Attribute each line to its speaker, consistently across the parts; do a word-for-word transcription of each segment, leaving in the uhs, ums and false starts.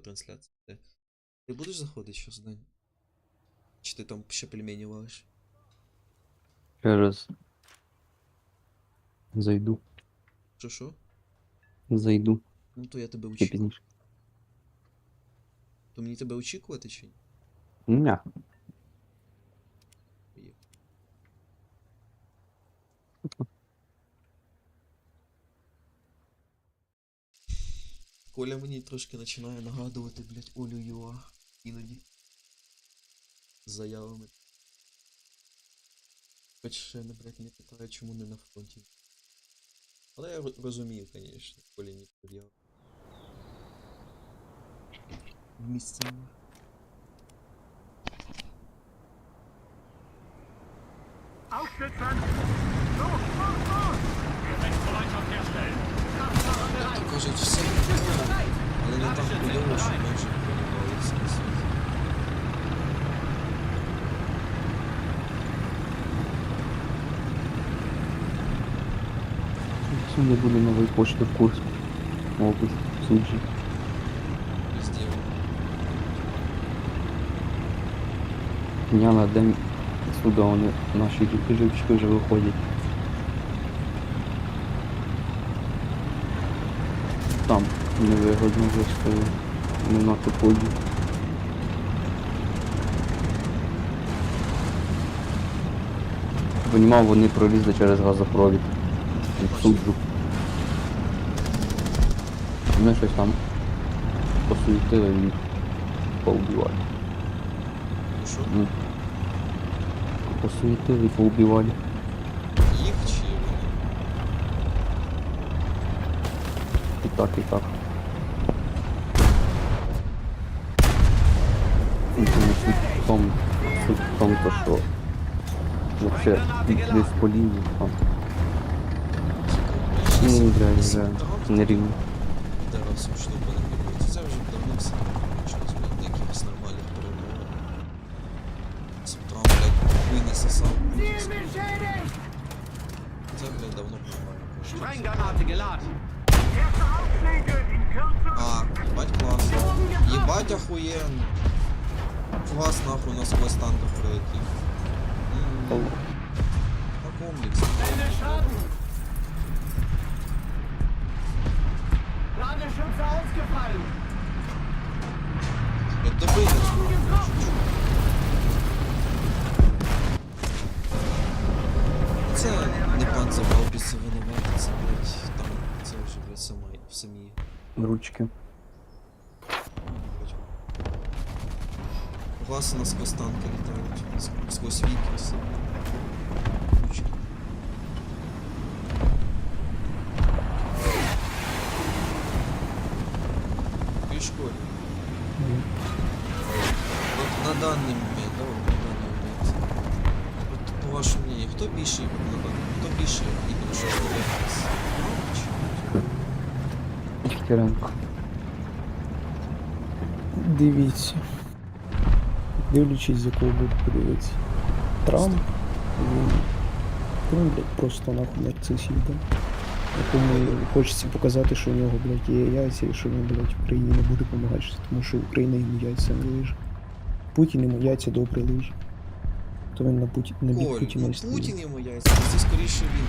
Speaker 1: по трансляції. Ти, ти будеш заходити щас, Дань? Чи ти там ще пельмені валиш?
Speaker 2: Через зайду.
Speaker 1: Що що?
Speaker 2: Зайду.
Speaker 1: Ну то я тебе
Speaker 2: Ще
Speaker 1: очікую.
Speaker 2: пізніше.
Speaker 1: То мені тебе очікувати чи ні?
Speaker 2: Ня.
Speaker 1: Є. Коля мені трошки починає нагадувати, блядь, Олю Юа. Іноді. З заявами. Хоч ще не, блядь, не питає, чому не на фронті. Але я ро- розумію, звісно, Коля не пред'яв. Місцями.
Speaker 3: Aufsitzen! Los, los, los! Gefechtsbereitschaft herstellen!
Speaker 1: Як то кажуть, все готово, але не так хуйово, що ми вже перебралися на світ.
Speaker 2: Сьогодні буде новий почта в Курську. Область. Суджі.
Speaker 1: Везде.
Speaker 2: Дня на день сюди вони наші екіпажівчики вже виходять. Там невигодно вже стою. Не на поході. Понімав, вони пролізли через газопровід. В Суджу. Вони щось там посуетили і їх поубивали.
Speaker 1: Ну що?
Speaker 2: Ну, посуетили і поубивали.
Speaker 1: Їх чи вони?
Speaker 2: І так, і так. Ну, суть в тому, суть в тому, то, що вообще десь по лінії там. Ну, вже, вже нерівно.
Speaker 1: Тарасом штука не відбувається. Це вже давно все почалось, блядь, до якихось нормальних перемог. Там, блядь, хуй не сосав. Це, блядь, давно нормально почалось.
Speaker 3: Sprengranate geladen! Erste Aufschläge in Kürze!
Speaker 1: А, ебать классно. Ебать охуенно. Фугас нахуй насквозь танков пролетел. М, На комплексе.
Speaker 3: Ende Schaden! Ladeschütze ausgefallen!
Speaker 1: Это добыть. Це не панцергаубиці винувати, це, блядь, там, це вже, блядь, сама, самі.
Speaker 2: Ручки.
Speaker 1: Фугаси насквозь танки літають, ск- сквозь віки все. Ручки. В какой школе? Вот на данный момент, да, вот на данный момент. Вот по вашему мнению, кто більший, на данный- кто більший іменно що виявляється?
Speaker 2: Дігтяренко.
Speaker 4: Дивіться. Дивлячись, з якого боку подивитися. Трамп, він, він блядь, просто нахуй нарцис їбан. Якому хочеться показати, що у нього, блядь, є яйця і що він, блядь, Україні не буде допомагати, тому що Україна йому яйця не лиже. Путін йому яйця добре лиже. То він на, Путі... на бік
Speaker 1: Коль,
Speaker 4: Путіна
Speaker 1: ну
Speaker 4: і стоїть.
Speaker 1: Путін йому яйця, це скоріше він.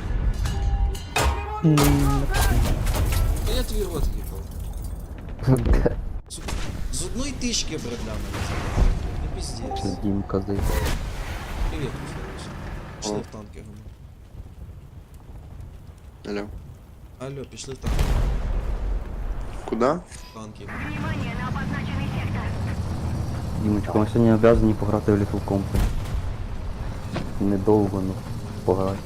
Speaker 4: М,
Speaker 1: Та я твій рот їбав. З, з одної тички, блядь, для мене це. Не пиздец.
Speaker 2: Чи Дімка здається.
Speaker 1: Привіт, Михайлович. Пішли в танки, гамма.
Speaker 5: Алло.
Speaker 1: Алло, пішли в танки.
Speaker 5: Куда?
Speaker 1: В танки.
Speaker 6: Внимание на обозначенный сектор.
Speaker 2: Дімочка, ми сьогодні обязані пограти в Little Company. Недовго, ну, пограти.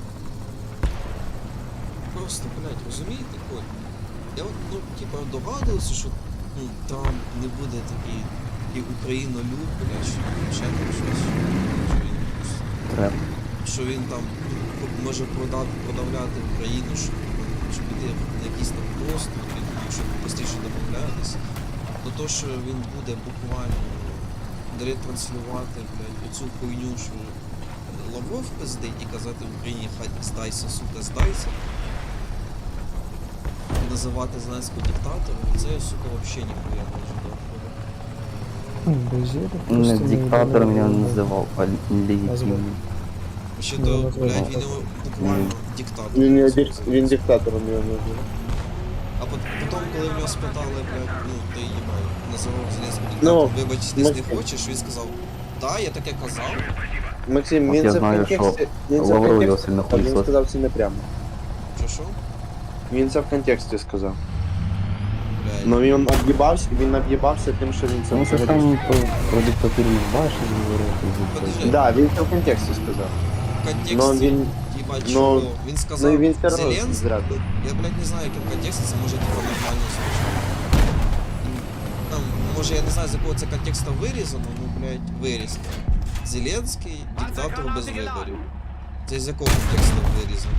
Speaker 1: Просто, блядь, розумієте, Коль? Я от, ну, типа, догадувався, що ну, Трамп не буде такий, такий українолюб, блядь, що ще там щось. Що він,
Speaker 2: Треба.
Speaker 1: що він там може продати, продавляти Україну, щоб, щоб піти на якісь там поступи, щоб простіше домовлятися. То то, що він буде буквально ретранслювати, блядь, оцю хуйню, що Лавров пиздить і казати в Україні хай здайся, сука, здайся. називати Зеленського диктатором, це, сука, вообще ніхуя не ожидав.
Speaker 4: Ну, Базилик
Speaker 2: Не
Speaker 4: просто
Speaker 2: диктатором я
Speaker 4: назвав.
Speaker 2: називав, а легітимним.
Speaker 1: Ще
Speaker 4: Ну,
Speaker 1: то,
Speaker 4: назвав
Speaker 1: блядь,
Speaker 4: так.
Speaker 1: він його буквально диктатор.
Speaker 5: Він, не
Speaker 1: назвав
Speaker 5: дик-
Speaker 1: Зеленського.
Speaker 5: він диктатором його назвав.
Speaker 1: А пот- потім, коли в нього спитали, блядь, ну, ти їбай, називав Зеленського
Speaker 5: Ну,
Speaker 1: диктатором, вибач, ти не
Speaker 5: Максим.
Speaker 1: хочеш, він сказав, да, я таке казав.
Speaker 5: Максим,
Speaker 2: От
Speaker 5: він
Speaker 2: я
Speaker 5: це в
Speaker 2: знаю,
Speaker 5: контексті. Він це в
Speaker 2: Лавров його
Speaker 5: контексті.
Speaker 2: сильно
Speaker 5: Та він
Speaker 2: хуйсос.
Speaker 5: сказав це не прямо.
Speaker 1: Що що?
Speaker 5: Він це в контексті сказав.
Speaker 1: Блядь.
Speaker 5: Ну він об'їбався, він об'їбався тим, що він це
Speaker 2: Ну це ж
Speaker 5: взагалі.
Speaker 2: там про, про диктатуру не бачиш
Speaker 1: Подожди.
Speaker 2: говорити.
Speaker 5: Да, він це в контексті сказав.
Speaker 1: В контексті,
Speaker 5: Ну він,
Speaker 1: їбать,
Speaker 5: ну,
Speaker 1: чого? Він сказав,
Speaker 5: ну і він все одно
Speaker 1: Зеленський,
Speaker 5: зря.
Speaker 1: я, блядь, не знаю, яким контексті, це може типа нормально звучати. Там, може, я не знаю, з якого це контексту вирізано, ну, блядь, вирізано. Зеленський, диктатор без виборів. Це з якого контексту вирізано?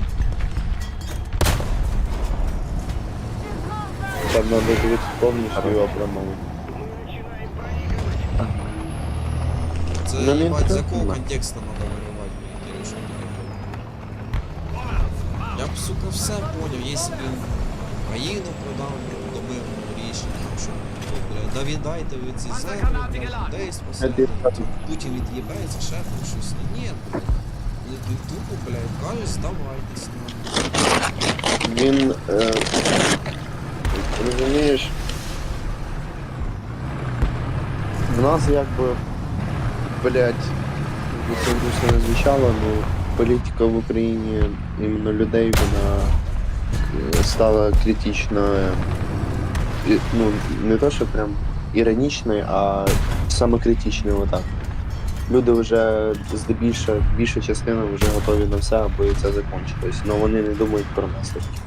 Speaker 5: Там надо дивитися повністю його промову.
Speaker 1: Це,
Speaker 5: Ну, не
Speaker 1: їбать, з
Speaker 5: інтересно.
Speaker 1: якого контексту треба виривати, блядь, или що таке? Я б, сука, все поняв, якщо б він країну продав до мирного рішення, ну, що, блядь, да віддайте ви ці землі, блядь, людей спасати, Путін від'єбається, ще там щось. Ні, блядь. Він тупо, блядь, каже, здавайтесь, нахуй.
Speaker 5: Він, е, розумієш, в нас якби, блядь, це грустно не звучало, але політика в Україні, іменно людей, вона е, стала критично, е, і, ну, не то, що прям іронічною, а саме критичною, отак. Люди вже здебільша, більша частина вже готові на все, аби це закінчилось, але вони не думають про наслідки.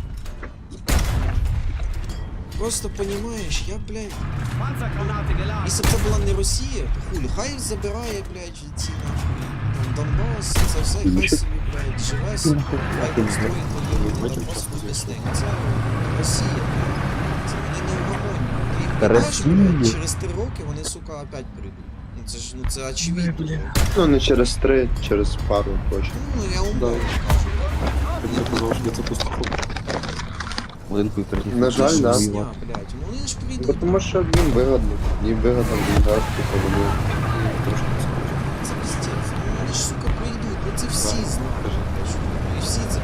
Speaker 1: Просто понімаєш, я, блядь, якщо б це була не Росія, то хулі, хай забирає, блядь, ці нахуй, там, Донбас, це все, і хай собі, блядь, живе собі, хай там строїть воєнний Донбас, хуй з ним. Це Росія, блядь, це вони не угомонні. Ти їх
Speaker 2: Та
Speaker 1: питаєш,
Speaker 2: Росія.
Speaker 1: блядь, через три роки вони, сука, опять прийдуть. Ну це ж, ну це очевидно. блядь.
Speaker 5: Ну, не через три, через пару точно.
Speaker 1: Ну, я умовно кажу.
Speaker 2: Один хуй прийти.
Speaker 5: На жаль, да.
Speaker 1: Русня, блядь, ну вони ж
Speaker 5: Бо
Speaker 1: прийдуть.
Speaker 5: тому що їм вигодно. Їм вигодно війна, типу, вони.
Speaker 1: Це пиздец. Ну вони ж, сука, прийдуть, ну це всі знають. блядь, що, ну, і всі це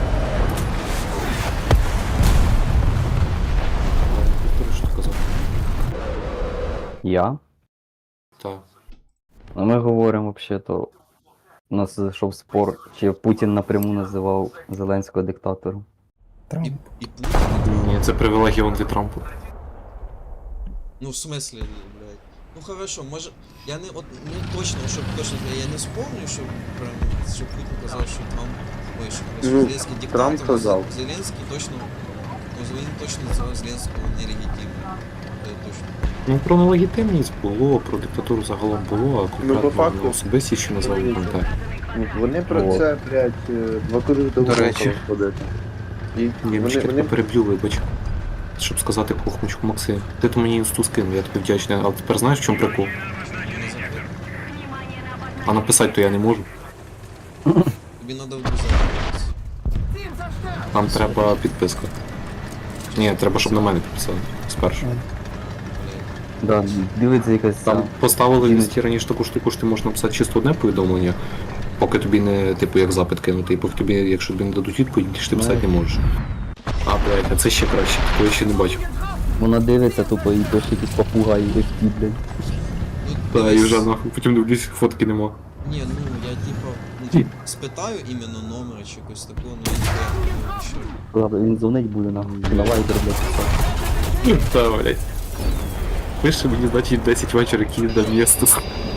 Speaker 2: Я?
Speaker 7: Так.
Speaker 2: А ми говоримо взагалі, то у нас зайшов спор, чи Путін напряму називав Зеленського диктатором.
Speaker 4: Трамп.
Speaker 1: і, і Путін. і Трамп.
Speaker 7: Ні, це привілегія он від Трампа.
Speaker 1: Ну, в смысле, блядь. Ну хорошо, може. Я не от ну точно, щоб точно я не вспомню, що прям що Путін казав, що Трамп вийшов.
Speaker 5: Ну,
Speaker 1: Зеленський диктатор.
Speaker 5: Трамп казав.
Speaker 1: Зеленський точно. Ну, він точно називав Зеленського нелегітимним. Це точно.
Speaker 7: Ну про нелегітимність було, про диктатуру загалом було, а
Speaker 5: Ну, по
Speaker 7: конкретно
Speaker 5: факту-
Speaker 7: на особисті ще назвали не пам'ятаю.
Speaker 5: Ну, Вони про
Speaker 2: О.
Speaker 5: це, блядь, е, два кури до
Speaker 7: До речі.
Speaker 5: ходити. І
Speaker 7: Ні,
Speaker 5: вони,
Speaker 7: мені
Speaker 5: вони,
Speaker 7: тебе переб'ю, вибач. Щоб сказати кухмочку Максим. Ти то мені інсту скинув, я тобі вдячний. А тепер знаєш в чому прикол?
Speaker 1: Не закрив.
Speaker 7: А написати то я не можу.
Speaker 1: Тобі треба в друзі.
Speaker 7: Там треба підписка. Ні, треба, щоб на мене підписали. Спершу.
Speaker 2: Да, дивиться якась
Speaker 7: Там
Speaker 2: там.
Speaker 7: поставили в
Speaker 2: Ін-
Speaker 7: листі раніше таку штуку, що ти можеш написати чисто одне повідомлення, поки тобі не, типу, як запит кинути, і поки тобі, якщо тобі не дадуть відповідь, ти ж ти писати не можеш. А, блядь, а це ще краще, такого я ще не бачив.
Speaker 2: Вона дивиться тупо і дощ якісь попугаї вихті, блядь.
Speaker 1: Ну,
Speaker 7: Та, і
Speaker 1: дивись.
Speaker 7: вже нахуй, потім дивлюсь, фотки нема.
Speaker 1: Ні, ну я типа ну, типа, спитаю іменно номера чи якось такого, ну я не знаю.
Speaker 2: Ладно, він дзвонить буде нам. Давай, блядь, писати.
Speaker 7: Та, блядь. Пише мені, значить, десять вечора Київ до місту.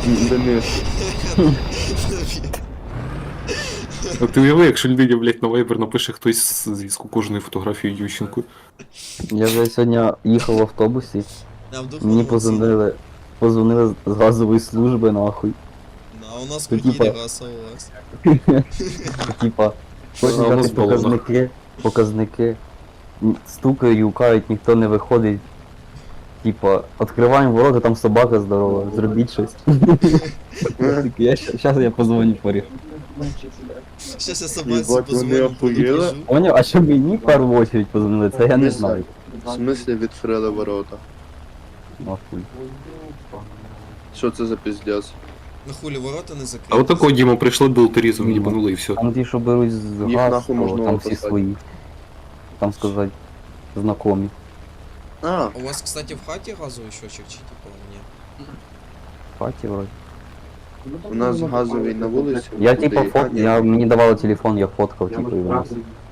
Speaker 7: А ти уяви, якщо людині, блядь, на Viber напише хтось з зв'язку кожної фотографії Ющенко.
Speaker 2: Я вже сьогодні їхав в автобусі,
Speaker 1: А вдруг
Speaker 2: мені
Speaker 1: воно
Speaker 2: позвонили, позвонили з газової служби, нахуй.
Speaker 1: ці- А у нас
Speaker 2: Ну,
Speaker 1: квартирі
Speaker 2: типа-
Speaker 1: раса у вас.
Speaker 2: Типа, хочуть
Speaker 7: А, у нас
Speaker 2: дати
Speaker 7: балона.
Speaker 2: показники, показники. Н- Стукають, юкають, ніхто не виходить. Типа, відкриваємо ворота, там собака здорова, зробіть щось. Я щас я позвоню поріг.
Speaker 1: Щас я собаці
Speaker 5: Єбать, вони
Speaker 1: позвоню,
Speaker 5: охуєли.
Speaker 1: покажу.
Speaker 2: Поняв, а що мені в першу очередь позвонили, це я не знаю.
Speaker 5: В смислі відкрили ворота?
Speaker 2: Нахуй.
Speaker 5: Що це за піздець?
Speaker 1: На хулі ворота не закриті.
Speaker 7: А от такого Діма прийшли болтерізом, їбанули і все.
Speaker 2: Там ті, що беруть з
Speaker 5: Їх
Speaker 2: газ,
Speaker 5: нахуй
Speaker 2: то
Speaker 5: можна
Speaker 2: там всі
Speaker 5: описати.
Speaker 2: свої. Там сказати, знакомі.
Speaker 5: А,
Speaker 1: У вас, кстати, в хаті газовий щочик чи типа ні?
Speaker 2: В хаті вроді.
Speaker 5: у нас газовий на вулиці.
Speaker 2: Я
Speaker 5: туди
Speaker 2: типа
Speaker 5: і-
Speaker 2: фот,
Speaker 5: а, ні.
Speaker 2: я, мені давали телефон, я фоткав, типу, і виносив.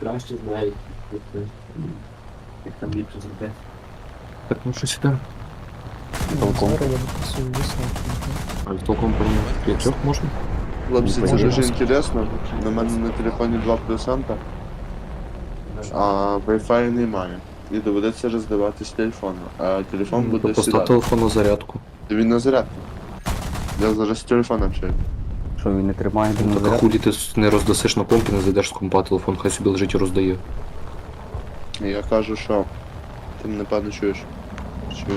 Speaker 7: Так, ну що сюди?
Speaker 2: Толком.
Speaker 4: Зараз я дописую висновки.
Speaker 7: А толком помню. Якщо можна?
Speaker 5: Хлопці, це
Speaker 2: Пожалуйста.
Speaker 5: дуже інтересно. На мене на телефоні два процента, а Wi-Fi немає. І доведеться роздавати з телефону. А телефон буде
Speaker 7: Тобто постав
Speaker 5: сідати.
Speaker 7: телефон на зарядку.
Speaker 5: Він на зарядку. Я зараз з телефоном общаюсь.
Speaker 2: Що він не тримає, він не
Speaker 7: Так а
Speaker 2: заряд.
Speaker 7: хулі ти не роздасиш на помпі, не зайдеш з компа телефон, хай собі лежить і роздає.
Speaker 5: І я кажу, що ти мене певно чуєш. Що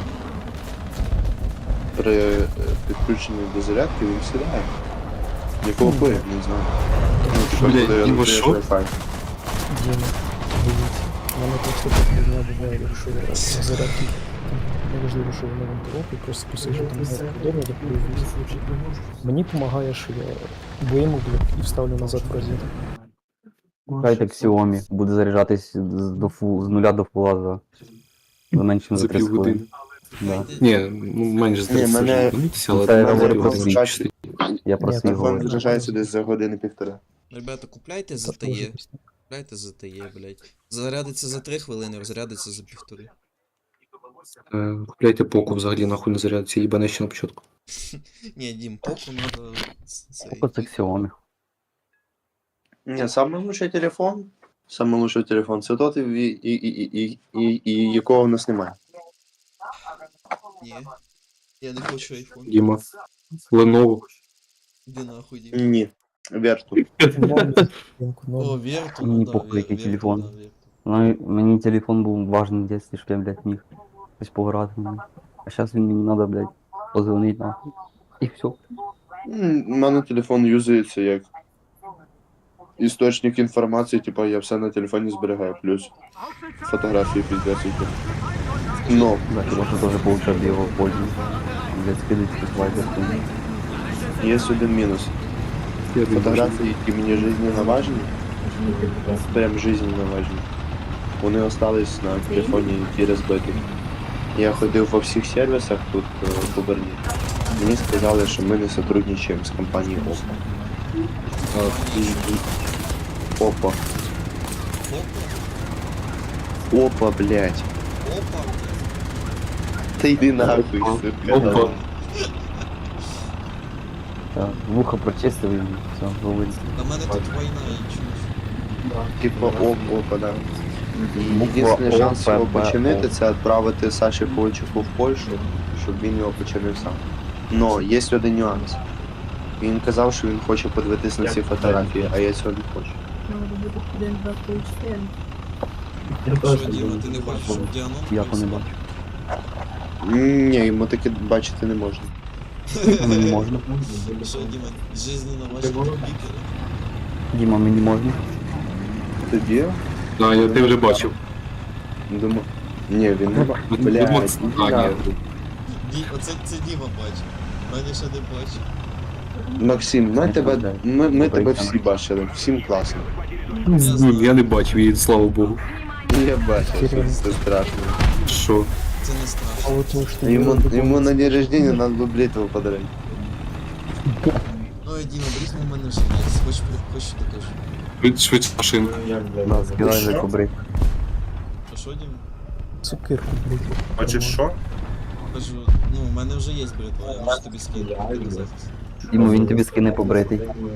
Speaker 5: при е, підключенні до зарядки він сідає. Якого хуя, не знаю. Ну, типу,
Speaker 7: Блядь,
Speaker 5: коли
Speaker 7: Діма,
Speaker 5: роздаєш
Speaker 7: що?
Speaker 5: Wi-Fi.
Speaker 4: Діма, дивіться. У мене просто така фігня буває, якщо я на зарядки. Неважливо, що воно вам порог, і просто посиджу там на вдома, мені допомагає, що я вийму, блядь, і вставлю назад в розетку.
Speaker 2: Хай так Xiaomi буде заряджатись з, до фу, з нуля до фула за, за менше ніж за
Speaker 7: За
Speaker 2: три хвилини.
Speaker 7: півгодини.
Speaker 2: Да.
Speaker 7: Ні, ну менше з
Speaker 5: Ні, мене-
Speaker 7: тридцять, але
Speaker 2: Це
Speaker 7: за
Speaker 2: говорить
Speaker 7: півгодини
Speaker 5: про
Speaker 7: чистить.
Speaker 2: Я про
Speaker 4: Ні,
Speaker 2: свій
Speaker 5: Телефон
Speaker 2: говорю.
Speaker 5: заряджається десь за години-півтора.
Speaker 1: Ребята, купляйте
Speaker 4: Це
Speaker 1: ЗТЕ.
Speaker 4: теж пісня.
Speaker 1: Купляйте ЗТЕ, блядь. Зарядиться за три хвилини, розрядиться за півтори.
Speaker 7: Е, Купляйте поку взагалі, нахуй не зарядиться, їбане ще на початку.
Speaker 1: Ні, Дім, поку надо... цей.
Speaker 2: Поки це Xiaomi.
Speaker 5: Ні, самий лучший телефон. Самий лучший телефон це тот, і, і, і, і, і, і якого в нас немає.
Speaker 1: Ні. Я не хочу айфон.
Speaker 7: Діма. Lenovo.
Speaker 1: Іди нахуй, Дім.
Speaker 5: Ні. Верту.
Speaker 4: Ринку
Speaker 1: О,
Speaker 4: нову.
Speaker 1: Верту,
Speaker 2: Мені
Speaker 1: ну да,
Speaker 2: похуй,
Speaker 1: Вер-
Speaker 2: який
Speaker 1: Верту,
Speaker 2: телефон.
Speaker 1: да, Верту.
Speaker 2: Ну, мені телефон був важний в дитинстві, щоб я, блядь, міг щось пограти в ньому. А зараз він мені треба, блядь, позвонити нахуй. І все.
Speaker 5: М, У мене телефон юзається як істочник інформації, типа я все на телефоні зберігаю, плюс фотографії піздець. які. Ну,
Speaker 2: Да, ти можеш теж получати його в пользу. Блядь, скидати якийсь вайбер.
Speaker 5: є один мінус. Фотографії, які мені жизненно важні, прям жизненно важні, вони остались на телефоні, які розбиті. Я ходив по всіх сервісах тут е, по Берні. Мені сказали, що ми не сотрудничаємо з компанією Oppo. А, і- і- Oppo.
Speaker 1: Опа,
Speaker 5: Опа, блядь.
Speaker 1: опа.
Speaker 5: Та йди нахуй, сука.
Speaker 7: Опа.
Speaker 2: Так, вухо прочистив і все, говорить.
Speaker 1: На мене тут війна, і чуєш.
Speaker 5: Типа оп, опа, да.
Speaker 2: Буква
Speaker 5: Єдиний шанс
Speaker 2: О,
Speaker 5: його
Speaker 2: П, Б,
Speaker 5: починити,
Speaker 2: О.
Speaker 5: це відправити Саші Ковальчуку в Польщу, щоб він його починив сам. Но є один нюанс. Він казав, що він хоче подивитись на ці фотографії, а я цього не хочу.
Speaker 1: Що, Діма, ти не хочеш, щоб Діанон?
Speaker 2: Я то не бачу.
Speaker 5: М, Ні, йому таке бачити не можна.
Speaker 2: Мені можна.
Speaker 1: Що, Діма, жизненно важливі лікарі?
Speaker 2: Діма, мені можна.
Speaker 5: Тоді,
Speaker 7: А, я ти вже бачив.
Speaker 5: думаю... Ні, він не бачить.
Speaker 7: Ну, ти
Speaker 5: Блядь,
Speaker 7: думав,
Speaker 5: іди
Speaker 7: а, ні.
Speaker 5: нахуй.
Speaker 1: Ді, оце це Діма бачив. Мене ще не бачив.
Speaker 5: Максим, ми
Speaker 2: Я
Speaker 5: тебе,
Speaker 2: тебе
Speaker 5: ми, ми тебе
Speaker 2: Добре,
Speaker 5: всі бачили, всім класно.
Speaker 7: Ну, я не бачив її, слава Богу.
Speaker 5: Я бачив, що це страшно.
Speaker 7: Що?
Speaker 1: Це не
Speaker 4: А
Speaker 1: страшно.
Speaker 4: от тому, що
Speaker 5: Йому,
Speaker 4: я
Speaker 5: йому на день рождения надо было бритву подарить.
Speaker 1: Ой, Діма, брізьмо в мене вже є. Хоч, хоч також.
Speaker 7: Швид- Швидше машинку.
Speaker 2: Да, скидай за кубрик.
Speaker 1: А що, Діма?
Speaker 4: цукерку, блядь.
Speaker 5: Хочеш що?
Speaker 1: Кажу, ну, в мене вже є бритва, я можу тобі скинути. на захист.
Speaker 2: Діма, він тобі скине побритий.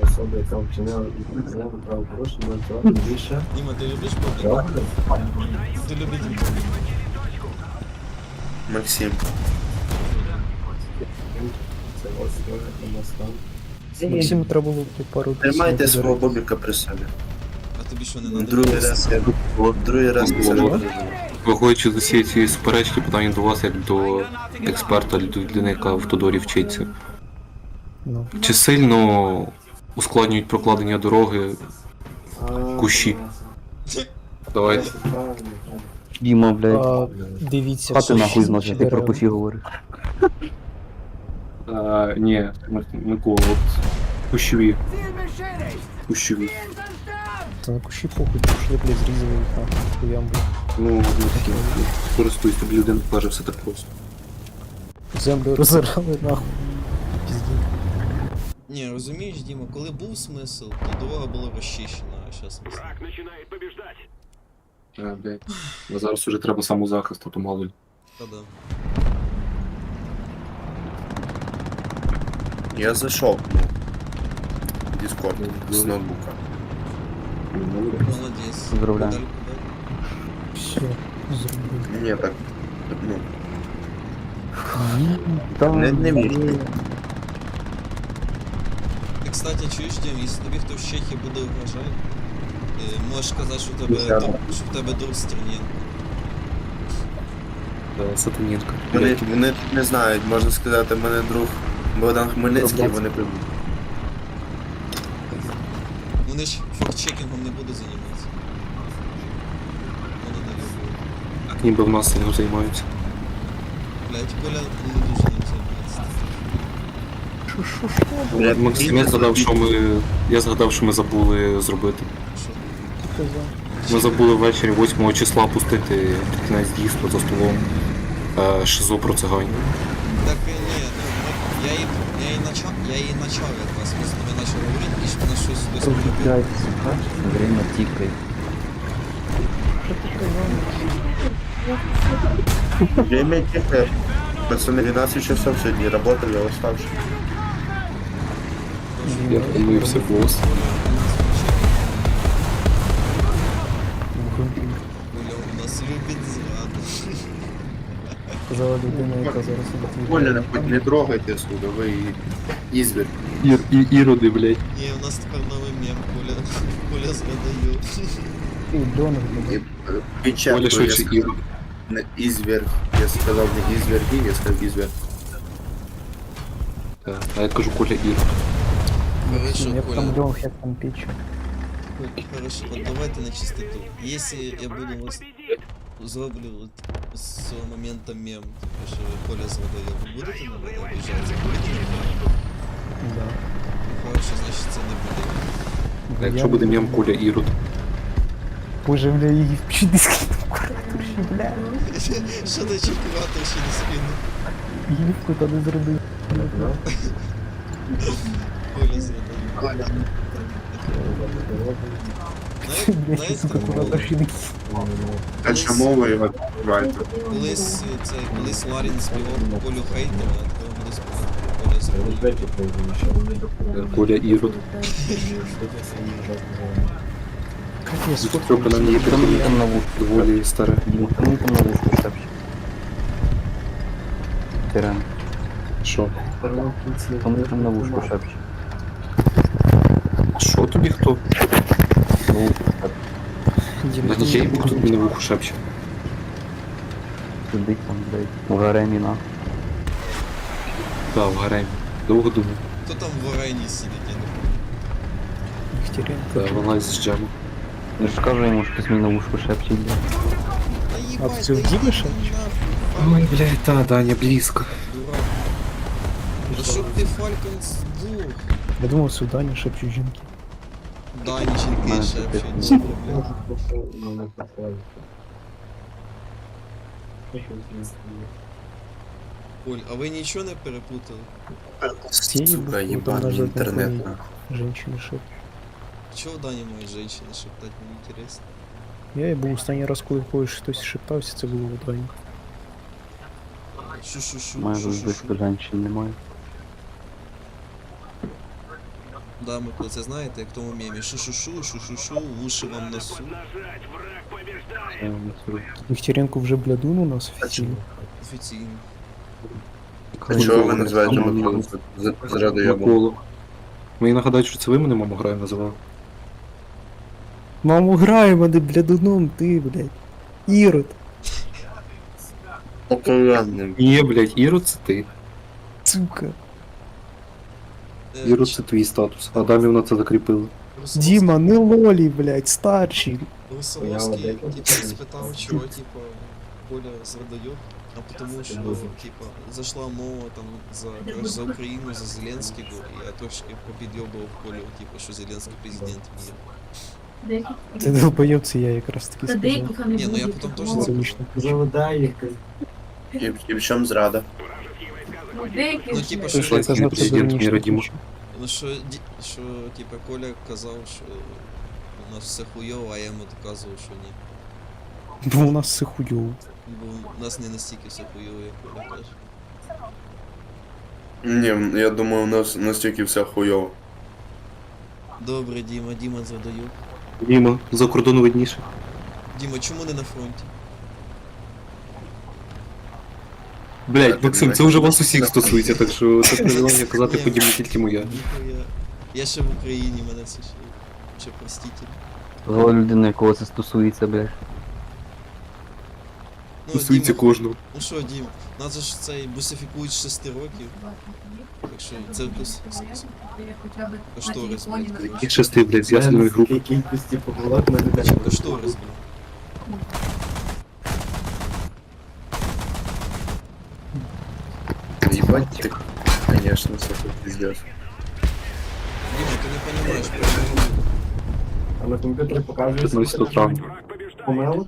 Speaker 1: Діма, ти любиш побрити? Ти любиш
Speaker 5: Максим.
Speaker 4: Максиму треба було б пару
Speaker 8: Тримайте
Speaker 4: пісень
Speaker 8: свого
Speaker 4: подарити.
Speaker 8: бобіка при собі.
Speaker 1: А тобі що не надо?
Speaker 8: Другий раз я другий раз я це роблю.
Speaker 7: Виходячи з усієї цієї суперечки, питання до вас, як до експерта, людини, яка в Тодорі вчиться.
Speaker 4: Ну,
Speaker 7: Чи сильно ускладнюють прокладення дороги кущі. Давайте.
Speaker 2: Діма, блядь.
Speaker 4: А, дивіться,
Speaker 2: Хати нахуй
Speaker 4: всі
Speaker 2: зносить, ти про
Speaker 4: дерева.
Speaker 2: кущі говориш.
Speaker 7: А, ні, Микола, от кущові. Кущові.
Speaker 4: Та на кущі похуй, пішли, блядь, зрізали їх нахуй, хуям, блядь.
Speaker 7: Ну, ну такі, користуйся, тобі людина каже все так просто.
Speaker 4: Землю розорали нахуй. Пізді.
Speaker 1: Ні, розумієш, Діма, коли був смисл, то дорога була розчищена, а зараз смисл.
Speaker 3: Враг начинает побеждать.
Speaker 7: А, блядь. А зараз уже треба самозахист, а то мало ли.
Speaker 1: Та-да.
Speaker 5: Я зайшов, ну, в Discord з ноутбука.
Speaker 1: Молодець.
Speaker 2: Поздравляю.
Speaker 1: Далі куди?
Speaker 4: Все, зробив.
Speaker 5: Ні, так, ну,
Speaker 2: Та,
Speaker 5: не, не вірю.
Speaker 1: Ти, кстати, чуєш, Дім, якщо тобі хто в Чехії буде вважати, е, можеш сказати, що в тебе,
Speaker 5: Десятка.
Speaker 1: друг- що в тебе друг Стернєнко.
Speaker 7: Сатанінка.
Speaker 5: Вони, вони не знають, можна сказати, в мене друг Богдан Хмельницький, вони прийдуть.
Speaker 1: Вони ж фактчекінгом не будуть займатися. Вони не люблять.
Speaker 7: Так ніби в нас цим займаються.
Speaker 1: Блять, Коля не дуже ним займається.
Speaker 5: Блядь,
Speaker 7: Максим, я згадав, що ми. Я згадав, що ми забули зробити.
Speaker 1: Що?
Speaker 4: Казав.
Speaker 7: Ми забули ввечері восьмого числа пустити під кінець дійства за столом е, шизо про циганів.
Speaker 1: Так е, ні, ну ми- я їй я їй начав, я їй начав якраз, ми з тобою почали говорити, і ж вона щось досі робила.
Speaker 2: Розбігайтеся, бачиш? Время тікає.
Speaker 5: Время тихо. Пацаны, двенадцать часов сегодня работали, я уставший.
Speaker 7: Я помився, бос.
Speaker 1: Коля у нас любить зраду.
Speaker 4: Казала людина, яка зараз іде.
Speaker 5: Коля, хоть не трогайте сюда, вы изверг.
Speaker 7: Ір, і, іроди, блядь.
Speaker 1: Ні, у нас тепер новий мем, Коля, Коля зрадає.
Speaker 4: Ти, Донор, блядь.
Speaker 5: Печатку,
Speaker 7: Коля
Speaker 5: я
Speaker 7: швидше
Speaker 5: сказал,
Speaker 7: ірод.
Speaker 5: не изверг. Я сказал не изверги, я сказал изверг.
Speaker 7: Е, А я кажу, Коля ірод.
Speaker 1: Хорошо,
Speaker 4: Як там
Speaker 1: Коля.
Speaker 4: льох, як там печі.
Speaker 1: Хорошо, от давайте на чистоту. Если я буду вас зроблю от з цього моменту мем, типу, що Коля зрадає, ви будете на мене обіжатися? Будете на мене?
Speaker 4: Да.
Speaker 1: Хорошо, значить це не буде.
Speaker 7: А якщо буде м'ям Коля ірод.
Speaker 4: Боже, бля, її вчить дискретну куратурші, бля.
Speaker 1: Що ти чекувати ще не спину?
Speaker 4: Гівку та не зробив.
Speaker 1: Коля зрадає.
Speaker 4: Блядь, ти, сука, кураторші не
Speaker 5: Дальше мова и вот давайте.
Speaker 1: Колись е, цей, колись Ларін співав Колю хейтера, а тепер буде співати Коля зрадає.
Speaker 7: Е, Коля ірод.
Speaker 4: Капець,
Speaker 7: Трьока на мені
Speaker 2: Там мені там на вушку.
Speaker 7: доволі старе.
Speaker 2: Діма, там мені там на вушку шепче. Тирен.
Speaker 7: Що?
Speaker 2: Там мені там на вушку шепче.
Speaker 7: Що тобі хто?
Speaker 2: Ну,
Speaker 7: На дітей Бог тут мені в уху шепче.
Speaker 2: сидить там, блядь, у гаремі на.
Speaker 7: Так, в гаремі. Довго думав.
Speaker 1: Хто там в Орені сидить, я не пам'ятаю.
Speaker 4: Нехтеренко.
Speaker 7: Та вона з джему.
Speaker 2: Я ж кажу йому, що хтось мені на вушку шепче, блядь.
Speaker 1: Та
Speaker 4: А
Speaker 1: їбать,
Speaker 4: це в
Speaker 1: та
Speaker 4: Дімі
Speaker 1: йди
Speaker 4: ще?
Speaker 1: нахуй,
Speaker 7: Ой, блядь, та, Даня, близько.
Speaker 1: дурак. Та щоб ти Фалькон здух.
Speaker 4: Я думав, сюди не шепчуть жінки.
Speaker 1: Данеченьки
Speaker 2: Мене
Speaker 1: ще
Speaker 2: це
Speaker 1: взагалі не проблем. Оль, а ви нічого не перепутали?
Speaker 5: Сука, ебаный интернет.
Speaker 4: Женщини шепчуть.
Speaker 1: Чого в Дані мають жінки шептати, мені інтересно.
Speaker 4: Я і був останній раз, коли в когось щось шептався, це було в Дані.
Speaker 1: Шу-шу-шу,
Speaker 2: Має
Speaker 1: шу-шу-шу.
Speaker 2: близько женщин немає.
Speaker 1: Да, ми про це знаєте, як в тому мемі. Шу-шу-шу, шу-шу-шу, уші вам носу.
Speaker 3: Нажать, враг побеждает.
Speaker 2: Це не суть.
Speaker 4: Нехтеренко вже блядун у нас офіційно.
Speaker 1: Офіційно.
Speaker 5: А чого ви називаєте Миколу зрадою?
Speaker 7: Миколу. Мені нагадають, що це ви мене маму граю називали.
Speaker 4: Маму граємо, де блядуном, ти, блядь. Ірод.
Speaker 5: Окаянным.
Speaker 7: Ні, блядь, Ірод це ти.
Speaker 4: Сука.
Speaker 1: Е,
Speaker 7: Віру,
Speaker 1: ч-
Speaker 7: це твій статус. Адамівна це закріпила.
Speaker 1: Русаловський-
Speaker 4: Діма, не лолі, блядь, старший.
Speaker 1: Русаловський, типа, спитав, чого, типа, Коля зрадайок, а тому що, типа, зайшла мова там за, коротше, за Україну, за Зеленського, і я трошки попідйобував Колю, типа, що Зеленський президент міра.
Speaker 4: Це долбойоб, це я якраз таки сказав.
Speaker 1: Ні, ну я потім теж
Speaker 4: Це
Speaker 1: це
Speaker 4: вийшло.
Speaker 8: І, і в чому зрада?
Speaker 1: Ну, типа,
Speaker 4: Це
Speaker 1: що,
Speaker 4: що я казав, це
Speaker 7: Президент
Speaker 4: дурніше.
Speaker 7: міра, Діма.
Speaker 1: ну, що, ді- що, типа, Коля казав, що у нас все хуйово, а я йому доказував, що ні.
Speaker 4: Бо у нас все хуйово.
Speaker 1: Бо у нас не настільки все хуйово, як Коля каже.
Speaker 8: Ні, я думаю, у нас настільки все хуйово.
Speaker 1: Добре, Діма, Діма зрадайок.
Speaker 7: Діма, за кордону видніше.
Speaker 1: Діма, чому не на фронті?
Speaker 7: Блять, Максим, це вже вас усіх стосується, так що це привілегія казати по Дімі тільки моя.
Speaker 1: Ніхуя. Я ще в Україні, мене це ще, ще простіть.
Speaker 2: Зла людина, якого це стосується, блядь.
Speaker 1: Ну,
Speaker 7: Стосується
Speaker 1: Діма,
Speaker 7: кожного.
Speaker 1: ну що, Дім, нас же ж цей бусифікують з шести років. Так що це кос- кос- кошторис, блядь,
Speaker 7: Яких
Speaker 1: коротше.
Speaker 7: шести, блядь, з ясної групи.
Speaker 1: Коротше, кошторис, блядь.
Speaker 8: Ебать ты, конечно, це тут пиздец.
Speaker 1: Діма, ти не розумієш, про
Speaker 9: А на комп'ютері показує
Speaker 7: п'ятнадцятого травня.
Speaker 9: помилок.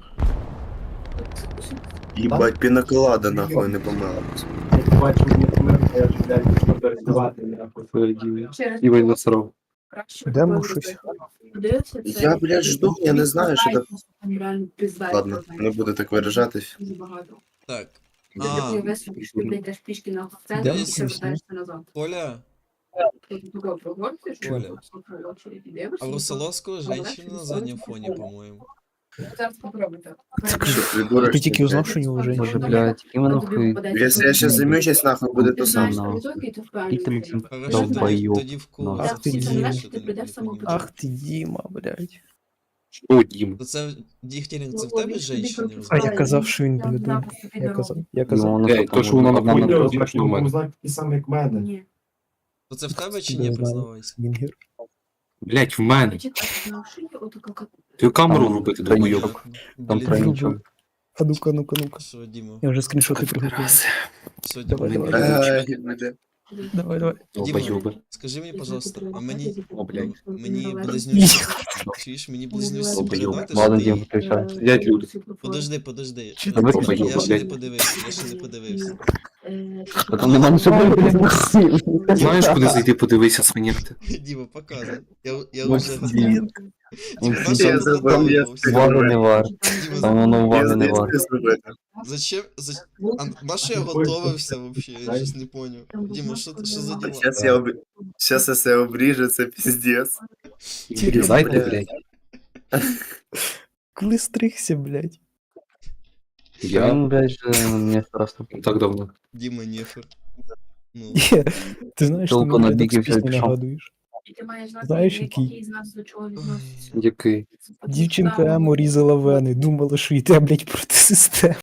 Speaker 8: Ебать, пінаколада нахуй не помилась.
Speaker 9: Як бачу, мені помилка, я вже блядь почну перездавати. нахуй.
Speaker 7: Дімі. Івань насрав.
Speaker 4: Йдемо щось.
Speaker 8: Я, блядь, жду, я не знаю, що так.
Speaker 6: так.
Speaker 8: Ладно, не буду так виражатись.
Speaker 1: Так.
Speaker 6: А,
Speaker 1: А,
Speaker 6: ти весь йдеш пішки на центр
Speaker 4: Де
Speaker 6: і
Speaker 4: ви
Speaker 6: все
Speaker 4: колись,
Speaker 6: вертаєшся назад.
Speaker 1: Коля,
Speaker 6: Ти туди прогорциш,
Speaker 1: Коля.
Speaker 6: дивишся.
Speaker 1: а в Русаловського женщина на заднем фоне, по-моєму.
Speaker 6: Зараз попробуйте.
Speaker 8: Придурок,
Speaker 4: Ти тільки
Speaker 8: блядь.
Speaker 4: узнав, що у нього вже.
Speaker 2: Може, блядь, іменно хуй.
Speaker 8: Якщо я щас займусь, нахуй буде то саме.
Speaker 2: саме. Скільки Максим
Speaker 1: Хорошо, тоді,
Speaker 2: долбойоб.
Speaker 1: тоді в кого
Speaker 2: Ах
Speaker 4: ти,
Speaker 1: захуй,
Speaker 4: Діма.
Speaker 1: що ти не- не понімаєш.
Speaker 4: Ах ти, Діма, блядь.
Speaker 7: О, Дім.
Speaker 1: То це Дігтярін, це в тебе женщина?
Speaker 4: А я казав, що він блядь. Я казав, я казав.
Speaker 2: Ну,
Speaker 7: Блядь, то, що вона на
Speaker 2: одна
Speaker 7: фоні,
Speaker 2: на-
Speaker 7: то точно в мене.
Speaker 9: Знак такий самий, як в мене.
Speaker 6: Ні.
Speaker 1: То це в тебе чи
Speaker 4: Я
Speaker 1: ні,
Speaker 4: знаю.
Speaker 1: признавайся?
Speaker 4: Вінгер.
Speaker 7: Блять, в мене.
Speaker 6: Почекай, на шиї отака
Speaker 7: Ти камеру
Speaker 2: Там
Speaker 7: робити,
Speaker 2: тройничок.
Speaker 7: долбойоб.
Speaker 2: Там
Speaker 1: Блін,
Speaker 2: тройничок.
Speaker 4: А ну-ка, ну-ка, ну-ка.
Speaker 1: Що, Діма?
Speaker 4: Я вже скріншоти приготував.
Speaker 1: Що,
Speaker 4: Давай,
Speaker 1: Діма?
Speaker 4: давай.
Speaker 8: Е, іде.
Speaker 4: Давай, давай.
Speaker 7: Долбойоби.
Speaker 1: Скажи мені, пожалуйста, а мені,
Speaker 7: О, блядь.
Speaker 1: мені близнюці, чуєш, мені близнюці
Speaker 7: Долбойоб.
Speaker 1: передати, що
Speaker 2: Ладно,
Speaker 1: ти...
Speaker 2: Дім, включай.
Speaker 7: Сидять люди.
Speaker 1: Подожди, подожди.
Speaker 4: Чи
Speaker 2: ти
Speaker 1: Я
Speaker 2: долбойоб,
Speaker 1: ще не
Speaker 7: блядь?
Speaker 1: подивився, я ще не подивився.
Speaker 2: Та там нема нічого блядь, Максим.
Speaker 7: Знаєш, куди зайти, подивися, свинєрти.
Speaker 1: Діма, показуй. Я, я
Speaker 2: Максим.
Speaker 1: вже...
Speaker 2: Дім,
Speaker 1: Діма,
Speaker 2: всі
Speaker 1: нащо
Speaker 8: Я
Speaker 1: я
Speaker 8: забув,
Speaker 1: подготовлювався?
Speaker 8: я-
Speaker 2: Уваги не варт.
Speaker 1: Діма,
Speaker 2: Там воно уваги не варт.
Speaker 1: зачем... За... А на що я готовився вообще? Я щось не поняв. Діма, що, що за діла?
Speaker 8: Сейчас я об... Сейчас я себе обріжу, це пиздец.
Speaker 7: Зайди, блядь.
Speaker 4: Коли стригся, блядь.
Speaker 7: Я
Speaker 2: Він, блядь, же мені страшно.
Speaker 7: так давно.
Speaker 1: Діма Нефер. Ну,
Speaker 4: Є. Ти знаєш, ти
Speaker 2: Толку
Speaker 4: мені
Speaker 2: на
Speaker 4: так
Speaker 2: біки
Speaker 4: з пісні
Speaker 2: вже пішов.
Speaker 4: нагадуєш.
Speaker 6: І ти маєш знати,
Speaker 4: Знаєш,
Speaker 6: який
Speaker 4: який?
Speaker 6: з нас до чого відноситься.
Speaker 7: Який?
Speaker 4: Дівчинка Емо різала вени, думала, що йде, блядь, проти системи.